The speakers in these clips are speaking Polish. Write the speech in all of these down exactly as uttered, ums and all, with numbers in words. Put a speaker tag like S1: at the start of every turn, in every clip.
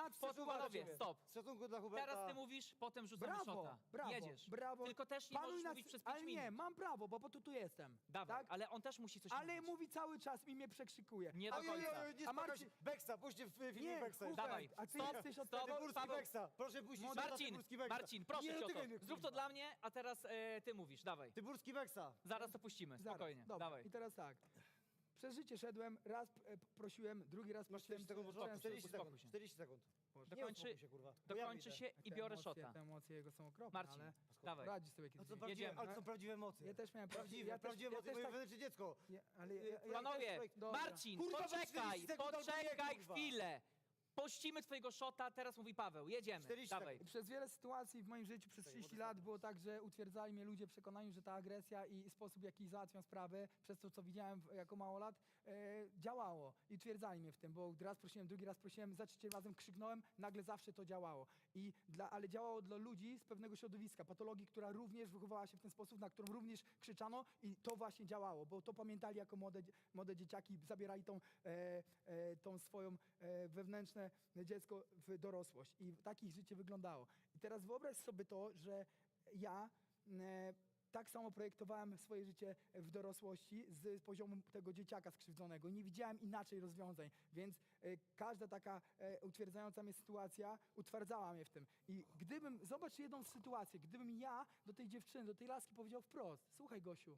S1: nad
S2: potem panowie, stop.
S3: Z szacunku dla Huberta.
S2: Teraz ty mówisz, potem rzucamy
S1: Brawo,
S2: szota.
S1: brawo,
S2: Jedziesz.
S1: brawo.
S2: Tylko też nie
S1: Panuj
S2: możesz
S1: nad-
S2: mówić przez pięć
S1: Ale
S2: minut.
S1: nie, mam prawo, bo po to tu jestem.
S2: Dawaj,
S1: tak?
S2: ale on też musi coś
S1: Ale
S2: mówić.
S1: mówi cały czas i mnie przekrzykuje.
S2: Nie do
S3: Oj, oj,
S2: końca.
S3: oj, nie
S1: A
S3: A
S1: Marcin-
S3: Marcin... Beksa, puśćcie w filmie
S1: Nie,
S3: Beksa.
S1: Hubert,
S2: Dawaj,
S1: a ty
S2: stop,
S1: jesteś od
S2: stop.
S1: tego...
S3: Tyburski
S2: Paweł.
S3: Beksa. Proszę puścić
S2: Marcin,
S3: Tyburski Beksa.
S2: Marcin, proszę
S3: Nie
S2: cię o
S3: dotykaj
S2: to.
S3: mnie,
S2: Zrób to
S3: kurwa.
S2: dla mnie, a teraz e, ty mówisz. Dawaj.
S3: Tyburski Beksa.
S2: Zaraz to puścimy.
S1: Zaraz,
S2: Spokojnie.
S1: dobra.
S2: Dawaj.
S1: I teraz tak. Przez życie szedłem, raz e, prosiłem, drugi raz
S3: Masz
S1: prosiłem.
S3: czterdzieści sekund,
S1: zacząłem
S3: może? czterdzieści
S2: uspokój
S3: sekund.
S2: się.
S3: czterdzieści sekund. Nie
S2: Dokończy,
S3: uspokój się, kurwa. Bo ja
S2: dokończy
S3: widzę.
S2: się i
S1: Te
S2: biorę
S1: emocje,
S2: szota.
S1: Te emocje jego są okropne,
S2: Marcin,
S1: ale
S2: dawaj.
S1: radzi sobie
S3: No
S1: kiedyś.
S3: co prawdziwe,
S2: Jedziemy.
S3: ale to są prawdziwe emocje.
S1: Ja też miałem
S3: Prawdziwe,
S1: ja też-
S3: prawdziwe
S1: ja
S3: emocje,
S1: też
S3: moje
S1: tak-
S3: wewnętrzne dziecko.
S1: Nie, ale ja, ja, ja
S2: Panowie,
S1: też- dobra.
S2: Marcin,
S3: Kurwa,
S2: poczekaj,
S3: czterdzieści sekund albo nie,
S2: poczekaj
S3: kurwa.
S2: chwilę. Pościmy twojego szota, teraz mówi Paweł. Jedziemy.
S3: czterdzieści
S2: Dawaj.
S3: sekund.
S1: Przez wiele sytuacji w moim życiu przez trzydzieści lat było tak, że utwierdzali mnie ludzie w przekonaniu, że ta agresja i sposób, w jaki załatwiam sprawy, przez to, co widziałem w- jako małolat, e, działało. I utwierdzali mnie w tym, bo raz prosiłem, drugi raz prosiłem, za trzecim razem krzyknąłem, nagle zawsze to działało. I dla, ale działało dla ludzi z pewnego środowiska, patologii, która również wychowała się w ten sposób, na którą również krzyczano i to właśnie działało, bo to pamiętali jako młode, młode dzieciaki, zabierali tą, e, e, tą swoją e, wewnętrzne dziecko w dorosłość i tak ich życie wyglądało. I teraz wyobraź sobie to, że ja e, tak samo projektowałem swoje życie w dorosłości z poziomu tego dzieciaka skrzywdzonego. Nie widziałem inaczej rozwiązań, więc e, każda taka e, utwierdzająca mnie sytuacja utwardzała mnie w tym. I gdybym, zobacz jedną sytuację, gdybym ja do tej dziewczyny, do tej laski powiedział wprost, słuchaj Gosiu,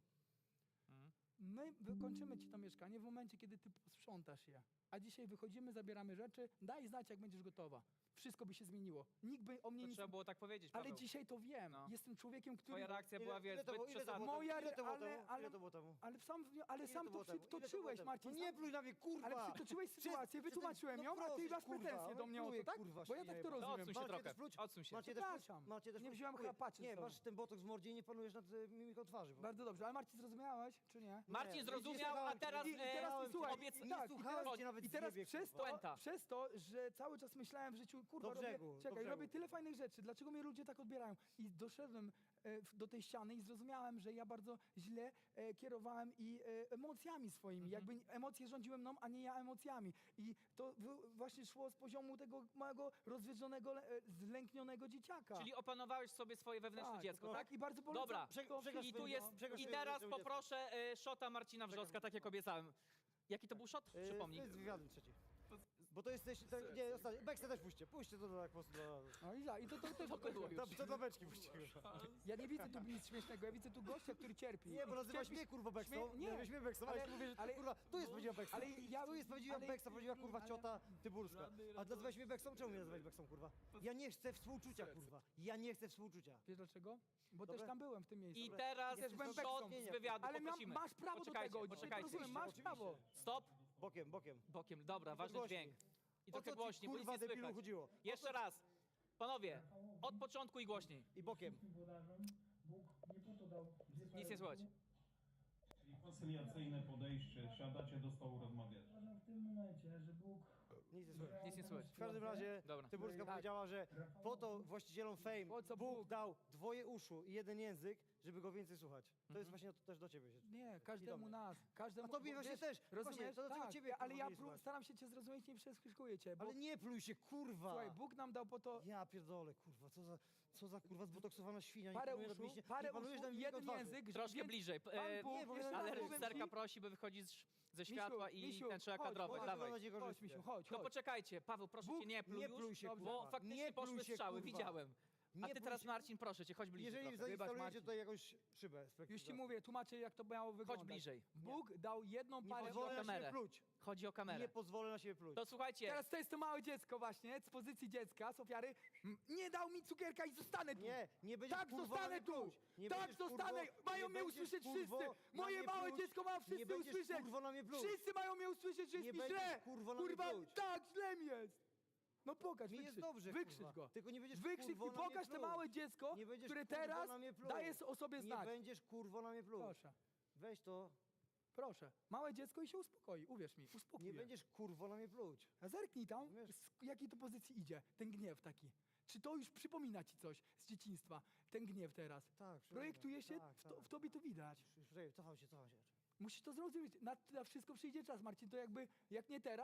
S1: my wykończymy ci to mieszkanie w momencie, kiedy ty posprzątasz je. A dzisiaj wychodzimy, zabieramy rzeczy, daj znać, jak będziesz gotowa. Wszystko by się zmieniło. Nikt by o mnie
S2: To
S1: nic...
S2: trzeba było tak powiedzieć, Paweł.
S1: Ale dzisiaj to wiem.
S2: No.
S1: Jestem człowiekiem, który...
S2: Twoja reakcja
S3: Ile-
S2: była, wiesz,
S3: ile to było-
S2: zbyt
S3: ile to było
S2: przesadna.
S1: Moja,
S3: Ile to było
S1: ale,
S3: temu?
S1: ale,
S3: Ile to było temu?
S1: ale sam, ale
S3: Ile
S1: sam
S3: to
S1: to
S3: było temu? Ile to było
S1: przytoczyłeś,
S3: temu?
S1: Marcin.
S3: No nie
S1: sam-
S3: pluj na mnie, kurwa!
S1: Ale przytoczyłeś sytuację,
S3: Przed-
S1: wytłumaczyłem
S3: no
S1: ją, a ty
S3: proszę,
S1: masz
S3: kurwa,
S1: pretensje do mnie o to,
S3: pluję,
S1: tak?
S3: kurwa,
S1: Bo ja tak to
S3: świnie.
S2: No,
S1: rozumiem.
S2: odsuń się
S3: Macie
S2: trochę.
S3: też pluć?
S2: Odsuń się.
S3: Macie też pluć?
S1: Przepraszam.
S3: Macie też
S1: Nie
S3: pluć?
S1: wziąłem
S3: Dziękuję.
S1: chrapaczy z
S3: Nie,
S1: sobą.
S3: masz ten botoks w mordzie i nie panujesz nad y, mimiką twarzy. bo-
S1: Bardzo dobrze, ale Marcin zrozumiałeś, czy nie?
S2: Marcin
S3: Nie,
S2: zrozumiał,
S3: nie
S2: a
S3: słuchałem
S2: teraz,
S3: cię.
S1: I, i
S2: e,
S1: teraz
S3: słuchałem
S1: słuchaj,
S2: cię.
S1: i,
S3: Nie
S1: tak, i
S3: słuchałem
S1: teraz,
S3: cię nawet
S1: i
S3: z
S1: teraz
S3: siebie,
S1: przez,
S3: kurwa.
S1: to,
S2: Puenta.
S1: przez to, że cały czas myślałem w życiu, kurwa,
S3: Do brzegu,
S1: robię,
S3: do
S1: czekaj,
S3: brzegu.
S1: robię tyle fajnych rzeczy, dlaczego mnie ludzie tak odbierają? I doszedłem e, w- do tej ściany i zrozumiałem, że ja bardzo źle e, kierowałem i e, emocjami swoimi, jakby emocje rządziły mną, a nie ja emocjami. I to w, właśnie szło z poziomu tego małego, rozwiedzonego, e, zlęknionego dzieciaka.
S2: Czyli opanowałeś sobie swoje wewnętrzne
S1: Tak,
S2: dziecko,
S1: no,
S2: tak?
S1: i bardzo polecam
S2: Dobra,
S1: to-
S3: Prze- przegaż
S2: i tu
S3: swoje-
S2: jest,
S3: przegaż
S2: i
S3: swoje
S2: teraz
S3: wewnętrzne
S2: poproszę e, szota Marcina Wrzoska, tak jak obiecałem. Jaki to był szot?
S3: Y,
S2: Przypomnij.
S3: To jest wywiadem trzeci. Bo to jesteś... To, nie, ostatni. Beksa też puśćcie. Puśćcie to tak po prostu do...
S1: No i za, i to, to też
S2: To było już.
S3: To, to dla beczki puśćcie.
S1: Ja nie widzę tu nic śmiesznego, ja widzę tu gościa, który cierpi.
S3: Nie, bo nazywasz
S1: Cierpi-
S3: mnie kurwa Beksą.
S1: Śmie-
S3: Nie, nie, mnie Beksą, ale, ale mówię, że
S1: ale-
S3: kurwa, tu jest prawdziwa Beksa.
S1: ale ja-
S3: tu jest prawdziwa
S1: ale-
S3: Beksa, prawdziwa kurwa
S1: ale-
S3: ciota Tyburska. A nazywałeś mnie Beksą? Czemu mnie nazywałeś Beksą, kurwa? Ja nie chcę współczucia, kurwa. Ja nie chcę współczucia.
S1: Wiesz dlaczego? Bo
S3: Dobra.
S1: też tam byłem w tym miejscu.
S2: I teraz
S1: Też byłem
S2: szot
S1: beksą.
S2: z wywiadu,
S1: Ale mam,
S2: poprosimy.
S1: masz prawo
S2: Poczekajcie,
S1: do tego, dzisiaj to
S2: poczekajcie.
S1: rozumiem, masz
S3: Oczywiście.
S1: prawo.
S2: Stop.
S3: Bokiem, bokiem.
S2: Bokiem, dobra, ważny
S3: głośniej.
S2: dźwięk. I
S3: O
S2: trochę
S3: co ci,
S2: głośniej, bo nic
S3: kurwa,
S2: nie
S3: debilu,
S2: słychać.
S3: chodziło? O
S2: Jeszcze
S3: co-
S2: raz. Panowie, od początku i głośniej.
S3: I bokiem.
S4: Włodarzom Bóg nie po to dał dwie pary
S2: Nic nie słychać.
S4: rąk.
S5: Czyli koncyliacyjne podejście, siadacie do stołu, rozmawiacie.
S4: Uważam w tym momencie, że Bóg...
S3: Nic nie słychać.
S2: Nic nie słychać.
S3: W każdym razie
S2: Dobra.
S3: Tyburska
S1: Tak.
S3: powiedziała, że po to właścicielom Fame
S1: Po co
S3: Bóg
S1: Bóg?
S3: dał dwoje uszu i jeden język, żeby go więcej słuchać. To
S2: Mhm.
S3: jest właśnie to też do ciebie.
S1: Nie,
S3: I do
S1: każdemu
S3: mnie.
S1: nas. Każdemu,
S3: A tobie
S1: bo
S3: właśnie
S1: wiesz,
S3: też.
S1: Rozumiesz?
S3: Właśnie, to dlaczego
S1: tak,
S3: ciebie,
S1: ale
S3: kurwa,
S1: ja
S3: nie
S1: pró-
S3: słuchać?
S1: staram się cię zrozumieć, nie przeskrzykuję cię, bo
S3: Ale nie pluj się, kurwa!
S1: słuchaj, Bóg nam dał po to
S3: Ja pierdolę, kurwa, co za, co za kurwa zbotoksowana świnia.
S1: parę
S3: Nie panujesz nad
S1: uszu,
S3: mięśnie-
S1: parę
S3: nie panujesz
S1: uszu
S3: nad
S1: i
S3: mimiką
S1: jeden
S3: twarzy.
S1: język. że-
S2: Troszkę
S1: więc
S2: bliżej.
S1: Pan
S2: E,
S1: Bóg,
S3: nie, bo
S1: jeszcze
S3: ja-
S1: raz
S2: ale
S1: powiem
S2: reżyserka
S1: ci-
S2: prosi, by wychodzić ze
S1: Misiu,
S2: światła i
S1: Misiu,
S2: ten trzeba
S1: chodź,
S2: kadrować.
S1: chodź,
S2: Dawaj.
S3: chodź, chodź,
S1: Chodź, Misiu, chodź,
S2: No
S1: chodź.
S2: poczekajcie, Paweł, proszę
S1: Bóg-
S2: cię, nie pluj
S3: nie
S2: już,
S3: pluj się,
S2: bo
S3: kurwa.
S2: faktycznie
S3: Nie pluj
S2: poszły
S3: się,
S2: strzały,
S3: kurwa.
S2: widziałem.
S3: Nie
S2: A ty
S3: pluj
S2: teraz,
S3: się.
S2: Marcin, proszę cię, chodź bliżej
S3: Jeżeli
S2: trochę.
S3: zainstalujecie
S1: Marcin.
S3: tutaj jakąś szybę. z
S1: Już ci mówię, tłumaczę jak to miało wyglądać.
S2: bliżej.
S1: Bóg dał jedną
S3: Nie
S1: parę...
S3: pozwolę
S2: o
S3: na
S2: kamerę.
S3: siebie pluć.
S2: Chodzi o kamerę.
S3: Nie pozwolę na siebie pluć.
S2: To słuchajcie,
S1: Teraz to jest to małe dziecko właśnie, z pozycji dziecka, z ofiary. M, Nie dał mi cukierka i zostanę tu.
S3: Nie, nie będziesz,
S1: Tak,
S3: kurwo,
S1: zostanę
S3: na mnie
S1: tu.
S3: pluć. Nie
S1: Tak,
S3: będziesz,
S1: zostanę.
S3: kurwo,
S1: Mają
S3: nie
S1: mnie
S3: będziesz,
S1: usłyszeć
S3: kurwo,
S1: wszyscy.
S3: na
S1: Moje
S3: mnie
S1: małe
S3: pluć.
S1: dziecko ma
S3: Nie
S1: wszyscy
S3: będziesz,
S1: usłyszeć.
S3: kurwo, na mnie pluć.
S1: Wszyscy mają mnie usłyszeć, że jest
S3: Nie
S1: mi
S3: będziesz,
S1: źle.
S3: kurwo, na mnie
S1: Kurwa,
S3: pluć.
S1: tak, źle mi jest. No pokaż,
S3: Mi
S1: wykrzycz,
S3: jest dobrze,
S1: wykrzycz
S3: kurwa.
S1: go.
S3: Tylko nie będziesz,
S1: Wykrzycz
S3: kurwo,
S1: i
S3: na mnie
S1: pokaż to
S3: pluć.
S1: małe dziecko,
S3: Nie będziesz,
S1: które
S3: kurwo,
S1: teraz
S3: na mnie pluć.
S1: daje o sobie
S3: Nie
S1: znać.
S3: będziesz, kurwo, na mnie pluć.
S1: Proszę,
S3: Weź to.
S1: proszę. Małe dziecko i się uspokoi, uwierz mi, uspokój
S3: Nie
S1: je.
S3: będziesz, kurwo, na mnie pluć.
S1: A zerknij tam,
S3: Wiesz-
S1: z jakiej to pozycji idzie, ten gniew taki. Czy to już przypomina ci coś z dzieciństwa, ten gniew teraz?
S3: Tak, przypomina.
S1: Projektuje się,
S3: Tak,
S1: w, to,
S3: tak.
S1: w tobie to widać.
S3: Czekaj, cofam się, cofam się.
S1: Musisz to zrozumieć. Na, na wszystko przyjdzie czas, Marcin. To jakby, jak nie teraz,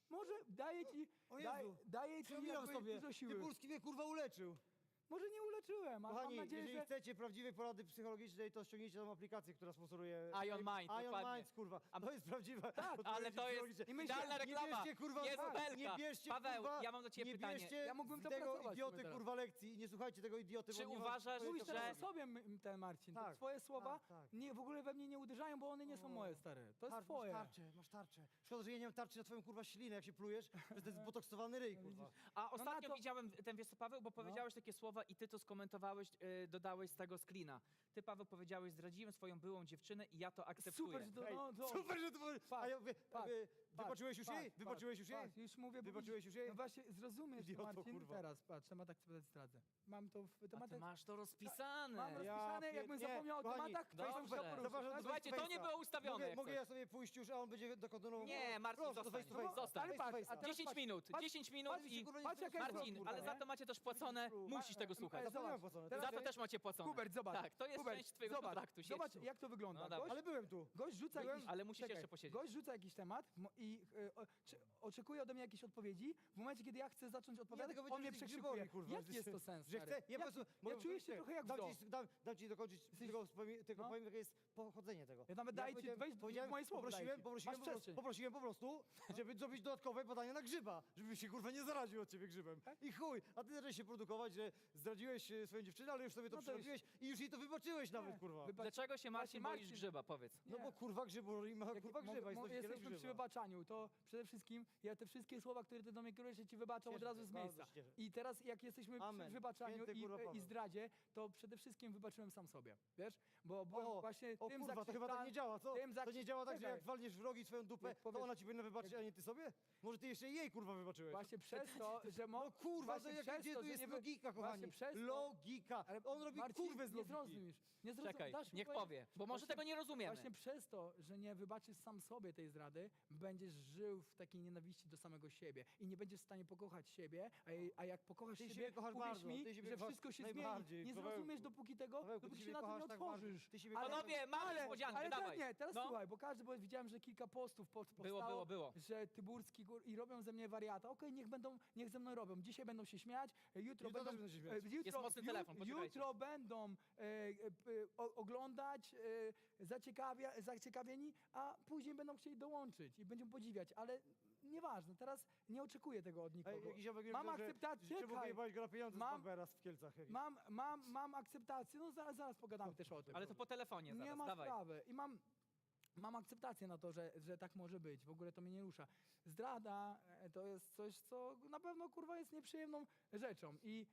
S1: Może daję ci,
S3: O
S1: daj,
S3: Jezu,
S1: daję ci
S3: przypominam
S1: jakby
S3: sobie,
S1: dużo siły.
S3: Tyburski mnie kurwa uleczył.
S1: Może nie uleczyłem, ale
S3: Kochani,
S1: mam nadzieję,
S3: jeżeli
S1: że...
S3: chcecie prawdziwej porady psychologicznej, to ściągnijcie tą aplikację, która sponsoruje...
S2: Ion Mind,
S3: Ion
S2: dokładnie.
S3: Minds, kurwa. To jest prawdziwa
S1: Tak,
S3: odpowiedź
S2: Ale to jest
S3: psychologiczna.
S1: I myślę-
S2: idealna
S3: Nie
S2: reklama.
S3: bierzcie, kurwa,
S2: Jest
S3: tak,
S2: belka.
S3: nie bierzcie,
S2: Paweł,
S3: kurwa,
S2: ja mam do ciebie
S3: nie
S2: pytanie.
S3: bierzcie
S1: Ja mógłbym to
S3: tego
S1: pracować
S3: idioty,
S1: sobie teraz.
S3: kurwa, lekcji i nie słuchajcie tego idioty,
S2: Czy
S3: bo nie ma-
S2: uważasz,
S3: to jest
S1: Mówisz
S2: że-
S1: teraz o sobie, m- ten Marcin.
S3: Tak,
S1: to twoje słowa
S3: tak, tak.
S1: Nie, w ogóle we mnie nie uderzają, bo one nie są
S3: O.
S1: moje, stary. To jest
S3: Tarcz,
S1: twoje.
S3: Masz tarczę, masz tarczę. Szkoda, że ja nie mam tarczy na twoją kurwa ślinę, jak się plujesz, że to jest zbotoksowany ryj, kurwa.
S2: A ostatnio
S1: No to-
S2: widziałem ten, wiesz co, Paweł, bo powiedziałeś takie słowa i ty to skomentowałeś, yy, dodałeś z tego screena. Ty, Paweł, powiedziałeś, zdradziłem swoją byłą dziewczynę i ja to akceptuję.
S1: Super, że to...
S3: Ej,
S1: No, to
S3: Super, że to powie- A ja mówię,
S1: patrz,
S3: y,
S1: patrz,
S3: wybaczyłeś już jej?
S1: patrz,
S3: Wybaczyłeś już jej?
S1: patrz, już mówię, bo
S3: Wybaczyłeś
S1: widzisz-
S3: już jej?
S1: No właśnie, zrozumiesz,
S3: Idioto,
S1: Marcin,
S3: kurwa.
S1: teraz, patrz, temat akceptacji zdradzę. Mam to w
S2: A ty
S1: tematach...
S2: masz to rozpisane.
S1: Mam rozpisane,
S3: pier-
S1: jakbym
S3: nie,
S1: zapomniał o
S3: kochani,
S1: tematach, to
S2: dobrze.
S1: bym chciał poruszyć,
S3: Zauważ,
S1: tak?
S3: że
S2: Słuchajcie, to nie było ustawione.
S3: Mogę,
S2: jak
S3: mogę
S2: coś.
S3: ja sobie pójść już, a on będzie kontynuował?
S2: Nie, Marcin,
S3: Prosto,
S2: zostań.
S3: face to face.
S2: Zostań.
S1: Ale patrz,
S3: Face to
S1: a
S3: face'a.
S1: teraz
S2: 10
S1: patrz,
S2: minut,
S1: patrz,
S2: 10 minut
S3: patrz,
S2: i...
S3: kurwa, nie
S1: patrz, jaka jest
S2: Marcin,
S1: kurwa,
S2: ale
S1: nie?
S2: za to macie też płacone,
S3: Ma-
S2: musisz tego
S1: e,
S2: słuchać.
S1: e,
S3: Za to nie mam
S1: zobacz,
S3: płacone.
S1: teraz-
S2: Za to też macie płacone.
S1: Hubert, zobacz.
S2: Tak, to jest
S1: Hubert,
S2: część twojego
S1: zobacz,
S2: kontraktu. siedź
S1: Zobacz,
S2: tu.
S1: jak to wygląda.
S2: No dawaj.
S1: Gość,
S3: Ale byłem tu.
S1: gość rzuca
S3: Byłem,
S1: jakiś...
S2: ale musisz
S1: czekaj,
S2: jeszcze posiedzieć.
S1: Gość rzuca jakiś temat mo- i e, o, czy, oczekuje ode mnie jakiejś odpowiedzi. W momencie, kiedy ja chcę zacząć odpowiadać,
S3: tego
S1: on mnie
S3: będziesz
S1: przekrzykuje.
S3: grzybowi, kurwa,
S1: Jaki jest to sens,
S3: Że
S1: stary?
S3: chcę, ja, po
S1: Jaki-
S3: prostu,
S1: ja
S3: mogę-
S1: czuję się trochę jak w
S3: dam
S1: zoo.
S3: ci, dam, dam ci dokończyć, tylko, powiem- tylko
S1: No.
S3: powiem, jakie jest pochodzenie tego.
S1: Ja nawet daję ci-
S3: powiedziałem-
S1: weź
S3: powiedziałem-
S1: moje słowo daję
S3: poprosiłem,
S1: ci.
S3: poprosiłem,
S1: Masz
S3: po prostu,
S1: przestrzeń.
S3: poprosiłem po prostu, żeby zrobić dodatkowe badania na grzyba, żeby się kurwa nie zaraził od ciebie grzybem. I chuj, a ty zacząłeś się produkować, że zdradziłeś e, swoją dziewczynę, ale już sobie to
S1: No to już-
S3: przerobiłeś i już jej to wybaczyłeś nawet, kurwa.
S1: Wybacz-
S2: Dlaczego się Marcin
S1: Właśnie,
S2: boisz
S1: Marcin-
S2: grzyba, powiedz?
S3: No
S1: Nie.
S3: bo kurwa grzybu i ma
S1: Jak-
S3: kurwa
S1: mo-
S3: grzyba,
S1: mo-
S3: jest nosicielem
S1: jesteśmy przy
S3: grzyba.
S1: wybaczaniu, to przede wszystkim ja te wszystkie słowa, które ty do mnie kierujesz, ja ci wybaczam od
S3: Cieszę
S1: razu
S3: się,
S1: z
S3: bardzo
S1: miejsca.
S3: się cieszę.
S1: I teraz jak jesteśmy
S3: Amen.
S1: przy wybaczaniu
S3: Święty
S1: i,
S3: kurwa
S1: i
S3: Paweł.
S1: zdradzie, to przede wszystkim wybaczyłem sam sobie, wiesz? Bo byłem
S3: O,
S1: właśnie
S3: o
S1: tym
S3: kurwa, to chyba tak nie działa, co?
S1: tym
S3: To nie działa tak, że
S1: Czekaj.
S3: jak walniesz w rogi swoją dupę,
S1: Jak
S3: to
S1: powiesz-
S3: ona ci powinna wybaczyć, a nie ty sobie? Może ty jeszcze jej kurwa wybaczyłeś?
S1: Właśnie przez to, że mo...
S3: No kurwa,
S1: właśnie
S3: to jak,
S1: przez
S3: gdzie
S1: to,
S3: tu
S1: że
S3: jest
S1: nie wy-
S3: logika,
S1: właśnie
S3: kochani?
S1: przez to-
S3: Logika.
S1: Ale
S3: On robi
S1: Marcin,
S3: kurwę z
S1: nie
S3: logiki.
S1: zrozumiesz. Nie zrozum...
S2: Czekaj,
S1: dasz mi
S2: niech
S1: powiedzieć?
S2: powie, bo może
S1: Właśnie-
S2: tego nie rozumiemy.
S1: Właśnie przez to, że nie wybaczysz sam sobie tej zdrady, będziesz żył w takiej nienawiści do samego siebie i nie będziesz w stanie pokochać siebie, a, je- a jak pokochasz
S3: Ty
S1: siebie,
S3: siebie kochasz
S1: uwierz
S3: bardzo,
S1: mi,
S3: ty siebie
S1: że
S3: kochasz
S1: wszystko się zmieni.
S3: najbardziej,
S1: Nie
S3: Pawełku.
S1: zrozumiesz dopóki tego,
S3: Pawełku, ty
S1: dopóki się
S3: siebie
S1: na tym nie
S3: kochasz tak bardzo.
S1: otworzysz.
S3: Ty siebie
S1: Ale-
S3: kochasz-
S2: Panowie, mamy
S1: ale,
S2: niespodziankę,
S1: ale
S2: dawaj.
S1: teraz nie, teraz
S2: No.
S1: słuchaj, bo każdy, bo widziałem, że kilka postów po- powstało,
S2: Było, było, było.
S1: że Tyburski gór, i robią ze mnie wariata. Okej, niech będą, niech ze mną robią. Dzisiaj będą się śmiać, e, jutro
S3: Jutro
S1: będą...
S3: też będą się śmiać.
S1: e, Jutro,
S2: Jest mocny
S1: ju-
S2: telefon, poczekajcie.
S1: Jutro będą e, e, p- o, oglądać, e, zaciekawia, zaciekawieni, a później będą chcieli dołączyć i będą podziwiać, ale nieważne, teraz nie oczekuję tego od
S3: Ej,
S1: nikogo.
S3: jakiś ziomek mi
S1: Mam
S3: powiedział, że-
S1: akceptację,
S3: że Czemu
S1: czekaj.
S3: wyjebałeś go na pieniądze
S1: Mam-
S3: z Bambera w Kielcach? jakiś.
S1: Mam, mam, mam akceptację, no zaraz, zaraz pogadamy też o tym.
S2: Ale to po telefonie zaraz,
S1: Nie ma
S2: dawaj.
S1: sprawy. I mam, mam akceptację na to, że, że tak może być. W ogóle to mnie nie rusza. Zdrada e, to jest coś, co na pewno kurwa jest nieprzyjemną rzeczą. I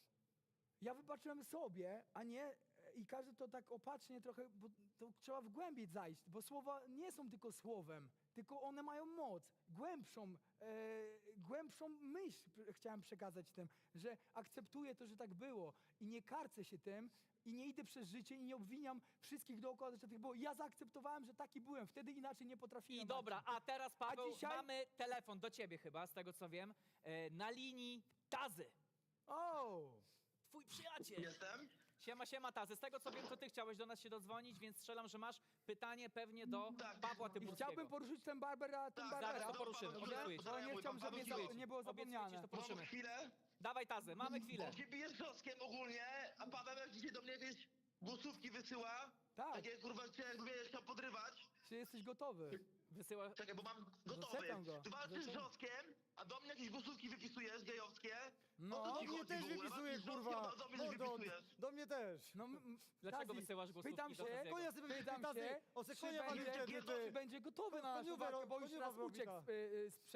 S1: ja wybaczyłem sobie, a nie e, i każdy to tak opatrznie trochę, bo to trzeba w głębiej zajść, bo słowa nie są tylko słowem, tylko one mają moc, głębszą, e, głębszą myśl p- chciałem przekazać tym, że akceptuję to, że tak było i nie karcę się tym i nie idę przez życie i nie obwiniam wszystkich dookoła, że tak było. Ja zaakceptowałem, że taki byłem, wtedy inaczej nie potrafiłem.
S2: I dobra,
S1: Marcin.
S2: a teraz Paweł,
S1: dzisiaj-
S2: mamy telefon do ciebie chyba, z tego co wiem, e, na linii Tazy.
S1: O!
S2: Twój przyjaciel.
S6: Jestem?
S2: Siema, siema Tazy. Z tego co wiem, to ty chciałeś do nas się dodzwonić, więc strzelam, że masz pytanie pewnie do
S6: Tak.
S2: Pawła
S1: I
S2: Tyburskiego.
S1: chciałbym poruszyć ten Barbera, ten
S6: Tak,
S1: Barbera,
S2: zaraz to
S6: Paweł,
S2: poruszymy,
S6: Paweł,
S2: obiecuję ci.
S1: bo nie
S6: mój
S1: chciałbym,
S6: pan
S1: żeby
S6: Paweł
S1: nie,
S6: Zwiedź.
S1: nie było
S2: Obiecuję ci,
S1: zapomniane.
S2: to poruszymy.
S6: Mam chwilę?
S2: Dawaj Tazy, mamy chwilę.
S6: Bo się bijesz z Zoskiem ogólnie, a Paweł jak dzisiaj do mnie jakieś głosówki wysyła,
S1: Tak.
S6: takie kurwa cię jakby mnie chciał podrywać.
S1: Czy jesteś gotowy?
S2: Wysyła...
S6: Czekaj, bo mam gotowy.
S1: Zaczekam go.
S6: Ty walczysz z
S1: Zaczekam.
S6: Zoskiem, a do mnie jakieś głosówki wypisujesz gejowskie.
S1: No,
S6: O co
S3: Do
S6: ci
S3: mnie
S6: chodzi
S3: też
S6: w ogóle?
S3: wypisuje,
S6: Walczysz z Zoskiem,
S3: kurwa.
S6: a do mnie też
S3: Mordo,
S6: wypisujesz.
S3: do mnie też.
S1: No, m- m-
S2: Dlaczego
S1: Tazi,
S2: wysyłasz głosówki
S1: pytam
S2: do
S1: się,
S2: Taziego?
S3: Konia sobie
S1: pytam
S3: tazy,
S1: się,
S3: o
S1: czy
S3: se konia walił
S1: będzie,
S3: wtedy, ty.
S1: czy będzie gotowy na naszą
S3: Koniuwa,
S1: walkę, bo już
S3: koniuwa
S1: raz uciekł
S3: robita.
S1: z, y, y, z